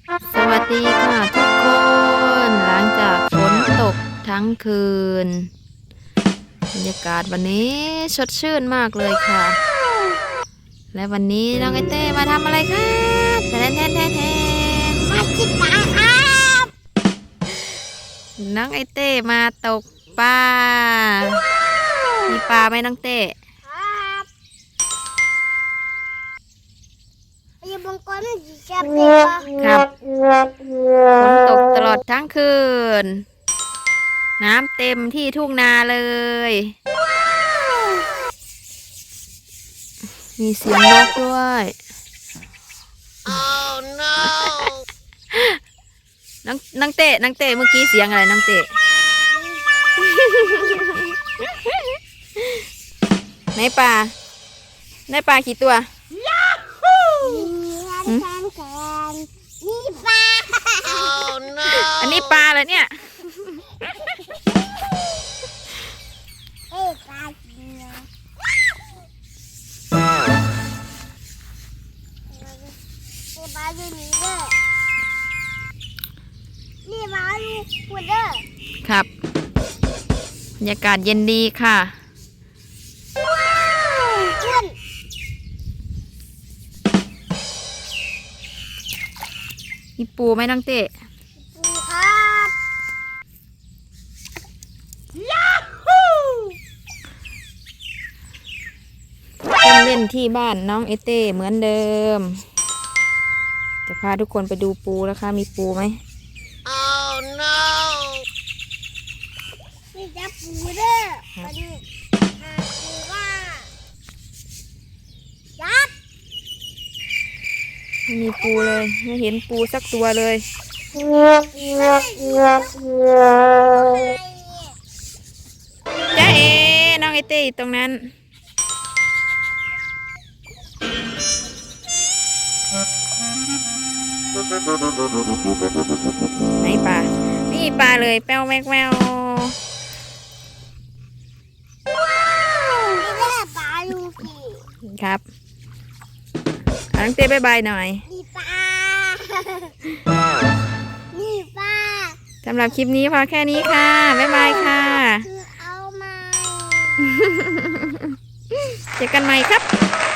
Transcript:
สวัสดีค่ะทุกคนหลังจากฝนตกทั้งคืนบรรยากาศวันนี้สดชื่นมากเลยค่ะและวันนี้น้องไอเต้มาทำอะไรครับแทนมากินปลาครับน้องไอเต้มาตกปลามีปลาไหมน้องเต้ครับอย่าบังกรมันจะจับเด็กครับฝนตกตลอดทั้งคืนน้ำเต็มที่ทุ่งนาเลยมีเสียงนกด้วย Oh no น้องเต้เมื่อกี้เสียงอะไรน้องเต้ ในป่ากี่ตัวแทนนี่ปลา Oh no อันนี้ปลาเหรอเนี่ยเอ้ปลาจริงนะปลาอยู่นี่เด้อนี่ปลาอยู่คุณเด้อครับบรรยากาศเย็นดีค่ะคุณมีปูไหมน้องเต้ปูครับเล่นที่บ้านน้องเอเต้เหมือนเดิมจะพาทุกคนไปดูปูแล้วค่ะมีปูไหม Oh no นี่จะปูเด้อมาดิปูว่ายับไม่มีปูเลยไม่เห็นปูสักตัวเลยจ้าเอน้องเอเต้อยู่ตรงนั้นไหนปลานี่ปลาเลยแป้วแมวนี่แหละปลาลูกี้ครับน้องเต้บายบายหน่อยนี่ปลานี่ปลาสำหรับคลิปนี้พอแค่นี้ค่ะบ๊ายบายค่ะคือเอามาเจอกันใหม่ครับ